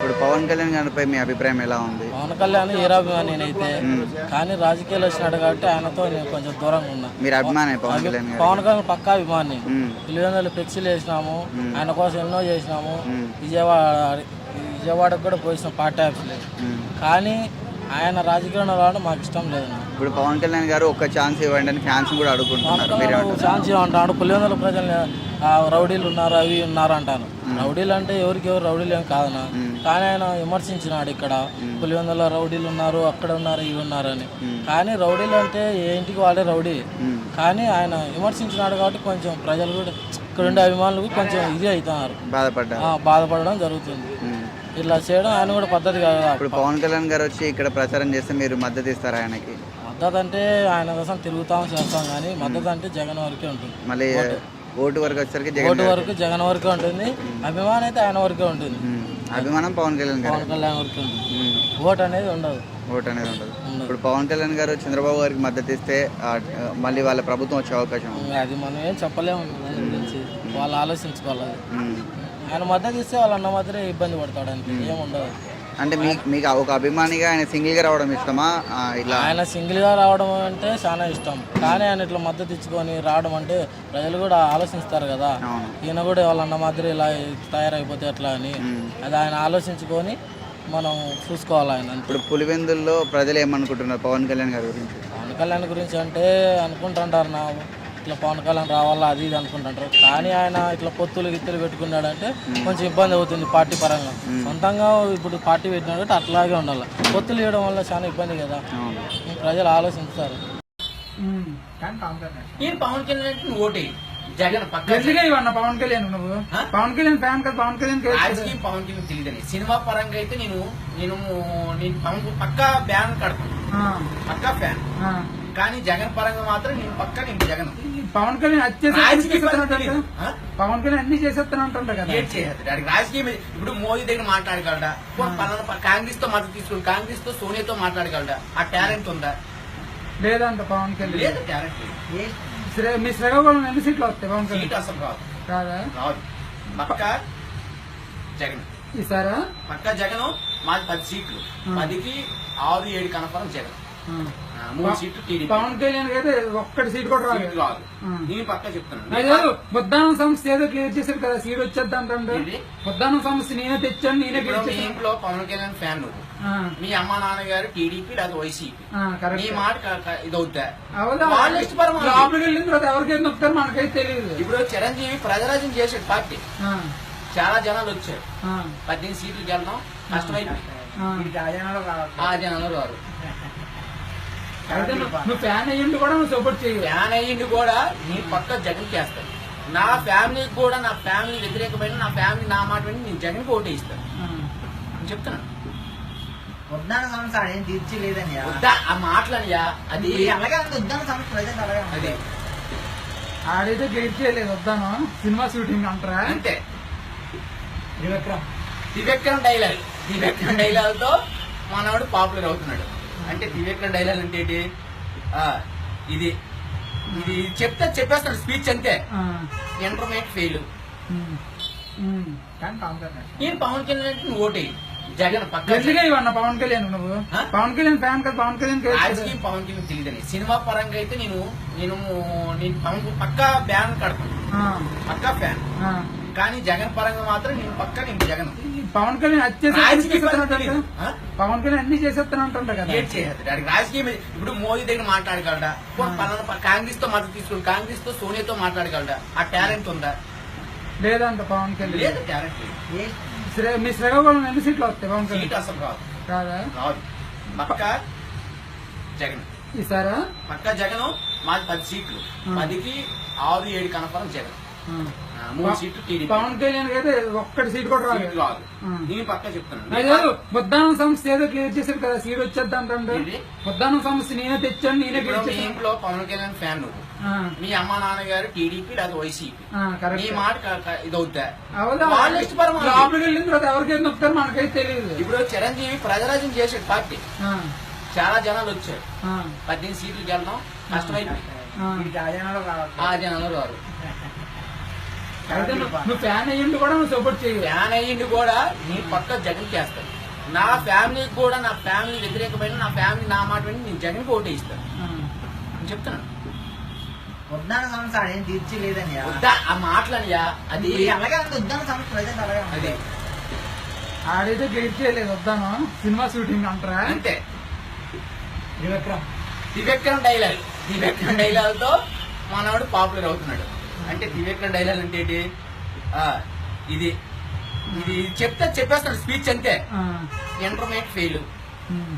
ఇప్పుడు పవన్ కళ్యాణ్ గారిపై మీ అభిప్రాయం ఎలా ఉంది? పవన్ కళ్యాణ్ హీరాభిమాని నేనైతే, కానీ రాజకీయాలు వచ్చినాడు కాబట్టి ఆయనతో నేను కొంచెం దూరంగా ఉన్నా. మీరు అభిమాని పవన్ కళ్యాణ్ గారు? పవన్ కళ్యాణ్ పక్కా అభిమాని. పిల్లలు ఫ్లెక్సీలు వేసినాము, ఆయన కోసం ఎన్నో చేసినాము. విజయవాడకు కూడా పోయినాం పార్టీ ఆఫీస్లో. కానీ ఆయన రాజకీయంలో రావడం మాకు ఇష్టం లేదు. ఇప్పుడు పవన్ కళ్యాణ్ గారు ఒక్క ఛాన్స్ ఇవ్వండి అని ఫ్యాన్స్ కూడా అడుగుకుంటున్నారు. ఛాన్స్ ఇవ్వంటాడు. పులివెందుల ప్రజలు రౌడీలు ఉన్నారు, అవి ఉన్నారు అంటాను. రౌడీలు అంటే ఎవరికి రౌడీలు ఏం కాదనా, కానీ ఆయన విమర్శించినాడు ఇక్కడ పులివెందుల రౌడీలు ఉన్నారు, అక్కడ ఉన్నారు, ఇవి ఉన్నారు అని. కానీ రౌడీలు అంటే ఏ ఇంటికి వాళ్ళే రౌడీ. కానీ ఆయన విమర్శించినాడు కాబట్టి కొంచెం ప్రజలు కూడా ఇక్కడ ఉండే అభిమానులు కొంచెం ఇది అవుతున్నారు, బాధపడడం జరుగుతుంది. ఇట్లా చేయడం ఆయన కూడా పద్ధతి కాదు. ఇప్పుడు పవన్ కళ్యాణ్ గారు వచ్చి ఇక్కడ ప్రచారం చేస్తే మీరు మద్దతు ఇస్తారా ఆయనకి? మద్దతు అంటే ఆయన కోసం తిరుగుతాం చేస్తాం, కానీ మద్దతు అంటే జగన్ వరకే ఉంటుంది. మళ్ళీ ఓటు వరకు వచ్చేసరికి ఓటు వరకు జగన్ వరకే ఉంటుంది, అభిమానం అయితే ఆయన వరకే ఉంటుంది. అభిమానం పవన్ కళ్యాణ్ వరకే ఉంటుంది, ఓటు అనేది ఉండదు. ఇప్పుడు పవన్ కళ్యాణ్ గారు చంద్రబాబు గారికి మద్దతు ఇస్తే మళ్ళీ వాళ్ళ ప్రభుత్వం వచ్చే అవకాశం అది మనం ఏం చెప్పలేము. దాని గురించి వాళ్ళు ఆలోచించుకోవాలి. ఆయన మద్దతు ఇస్తే వాళ్ళ అన్న మాత్రమే ఇబ్బంది పడతాడు, అంటే ఏముండదు. అంటే మీకు ఒక అభిమానిగా ఆయన సింగిల్గా రావడం ఇష్టమా? ఇట్లా ఆయన సింగిల్గా రావడం అంటే చాలా ఇష్టం, కానీ ఆయన ఇట్లా మద్దతు ఇచ్చుకొని రావడం అంటే ప్రజలు కూడా ఆలోచిస్తారు కదా, ఈయన కూడా వాళ్ళన్న మాదిరి ఇలా తయారైపోతే ఎట్లా అని. అది ఆయన ఆలోచించుకొని మనం చూసుకోవాలి ఆయన. ఇప్పుడు పులివెందుల్లో ప్రజలు ఏమనుకుంటున్నారు పవన్ కళ్యాణ్ గారి గురించి? పవన్ కళ్యాణ్ గురించి అంటే అనుకుంటుంటారు నా ఇట్లా పవన్ కళ్యాణ్ రావాలా అది ఇది అనుకుంటుంటారు, కానీ ఆయన ఇట్లా పొత్తులు గిత్తులు పెట్టుకున్నాడంటే కొంచెం ఇబ్బంది అవుతుంది పార్టీ పరంగా. సొంతంగా ఇప్పుడు పార్టీ పెట్టినాడు అంటే అట్లాగే ఉండాలి. పొత్తులు ఇవ్వడం వల్ల చాలా ఇబ్బంది కదా, ప్రజలు ఆలోచిస్తారు. పవన్ కళ్యాణ్ ఓటే జగన్ పవన్ కళ్యాణ్ నువ్వు పవన్ కళ్యాణ్ ఫ్యాన్ కదా? పవన్ కళ్యాణ్ రాజకీయం పవన్ కళ్యాణ్ తెలియదని. సినిమా పరంగా అయితే నేను పవన్ పక్కా బ్యాన్ కడతాను, పక్కా ఫ్యాన్. కానీ జగన్ పరంగా మాత్రం నేను జగన్. పవన్ కళ్యాణ్ పవన్ కళ్యాణ్ అన్ని చేసేస్తానంటుంటా కదా, రాజకీయం. ఇప్పుడు మోదీ దగ్గర మాట్లాడగలడా? కాంగ్రెస్ తో మద్దతు తీసుకుని కాంగ్రెస్ తో సోనియాతో మాట్లాడగలడా? ఆ టాలెంట్ ఉందా? లేదంట పవన్ కళ్యాణ్. లేదు టాలెంట్. మీ శ్రీకాకుళం ఎన్ని సీట్లు వస్తాయి పవన్ కళ్యాణ్? సీట్ అసలు రాదు. రాదు. పక్కా జగన్ ఈసారా? పక్కా జగన్. మాది 10 సీట్లు, 10కి 6-7 కన్ఫర్మ్ జగన్. 3 సీట్లు టీడీపీ. పవన్ కళ్యాణ్ అయితే ఒక్కటి సీట్ కూడా రాదు. నేను పక్కా చెప్తున్నాను. ముద్దానం సంస్థ ఏదో క్లియర్ చేశారు కదా, సీట్ వచ్చేద్ది అంటే. ముద్దానం సంస్థ నేనే తెచ్చాను, నేనే మీ ఇంట్లో పవన్ కళ్యాణ్ ఫ్యాన్ నువ్వు, మీ అమ్మ నాన్నగారు టీడీపీ లేదా వైసీపీ, నీ మాట ఇది అవుతా? లోపలికి వెళ్ళిన తర్వాత ఎవరికైతే నొక్కుతారు మనకైతే తెలియదు. ఇప్పుడు చిరంజీవి ప్రజరాజ్యం చేసాడు పార్టీ, చాలా జనాలు వచ్చారు. 18 సీట్లకి వెళ్దాం కష్టమైంది. ఆ జనాలు రారు. నువ్వు ఫ్యాన్ అయ్యింది కూడా నువ్వు సపోర్ట్ చేయాలి. ఫ్యాన్ అయ్యింది కూడా నీ పక్క జగన్ చేస్తాను. నా ఫ్యామిలీకి కూడా, నా ఫ్యామిలీ వ్యతిరేకమైన నా ఫ్యామిలీ నా మాట విని నేను జగన్కి ఓటే ఇస్తాను. నేను చెప్తున్నాను. ఉద్దాన సంస్థ ఏం తీర్చలేదని ఆ మాటలనియా, అది అలాగే ఉద్దాన సంస్థ ప్రజెంట్ అలాగే అదే. ఆడైతే గెలిట్ చేయలేదు వద్దాను, సినిమా షూటింగ్ అంటారా అంతే. త్రివిక్రమ్ డైలాగ్ తో మనవాడు పాపులర్ అవుతున్నాడు. అంటే త్రివిక్రమ్ డైలాగ్ అంటే ఏంటి? ఇది ఇది చెప్పేస్తాడు స్పీచ్ అంతే. Intermediate fail. నేను పవన్ కళ్యాణ్ ఓటే జగన్ పక్కా. పవన్ కళ్యాణ్ నువ్వు పవన్ కళ్యాణ్ ఫ్యాన్ కదా? పవన్ కళ్యాణ్ రాజకీయం పవన్ కళ్యాణ్ తెలియదని. సినిమా పరంగా అయితే నేను పవన్ పక్కా బ్యాన్ కడతాను, పక్కా ఫ్యాన్. కానీ జగన్ పరంగా మాత్రం నేను జగన్. పవన్ కళ్యాణ్ పవన్ కళ్యాణ్ అన్ని చేసేస్తానంటుంటా కదా, రాజకీయం. ఇప్పుడు మోదీ దగ్గర మాట్లాడగలడా? కాంగ్రెస్ తో మద్దతు తీసుకుని కాంగ్రెస్ తో సోనియాతో మాట్లాడగలడా? ఆ టాలెంట్ ఉందా? లేదంట పవన్ కళ్యాణ్. లేదు టాలెంట్. మీ శ్రీకాకుళం ఎన్ని సీట్లు వస్తాయి పవన్ కళ్యాణ్? సీట్ అసలు రాదు. రాదు. పక్కా జగన్ ఈసారా? పక్కా జగన్. మాది 10 సీట్లు, 10కి 6-7 కన్ఫర్మ్ జగన్. 3 సీట్లు టీడీపీ. పవన్ కళ్యాణ్ అయితే ఒక్కటి సీట్ కూడా రాదు. నేను పక్కా చెప్తున్నాను. ముద్దానం సంస్థ ఏదో క్లియర్ చేశారు కదా, సీట్ వచ్చేద్ది అంటే. ముద్దానం సంస్థ నేనే తెచ్చాను, నేనే మీ ఇంట్లో పవన్ కళ్యాణ్ ఫ్యాన్ నువ్వు, మీ అమ్మ నాన్నగారు టీడీపీ లేదా వైసీపీ, నీ మాట ఇది అవుతా? లోపలికి వెళ్ళిన తర్వాత ఎవరికైతే నొక్కుతారు మనకైతే తెలియదు. ఇప్పుడు చిరంజీవి ప్రజరాజ్యం చేసాడు పార్టీ, చాలా జనాలు వచ్చారు. 18 సీట్లకి వెళ్దాం కష్టమైంది. ఆ జనాలు రారు. అయితే నువ్వు ఫ్యాన్ అయ్యిండు కూడా నువ్వు సపోర్ట్ చేయవు. ఫ్యాన్ అయ్యింది కూడా నేను పక్క జగన్ చేస్తాను. నా ఫ్యామిలీకి కూడా, నా ఫ్యామిలీ వ్యతిరేకమైన నా ఫ్యామిలీ నా మాట విని నేను జగన్కి ఓటే ఇస్తాను. నేను చెప్తున్నాను. ఉద్దాన సమస్య ఆడేం తీర్చలేదన్నయ్య. వద్దా ఆ మాటలనియా, అది అలాగే ఉంది ఉద్దాన సమస్య ప్రజెంట్ అలాగే ఉంది. అది ఆడైతే గెయిట్ చేయలేదు వద్దాను సినిమా షూటింగ్ అంటారా. అంతే. త్రివిక్రమ్ త్రివిక్రమ్ డైలాగ్తో మనవాడు పాపులర్ అవుతున్నాడు. అంటే త్రివిక్రమ్ డైలాగ్ అంటే ఏంటి? ఇది ఇది చెప్పేస్తాడు స్పీచ్ అంతే. Intermediate fail,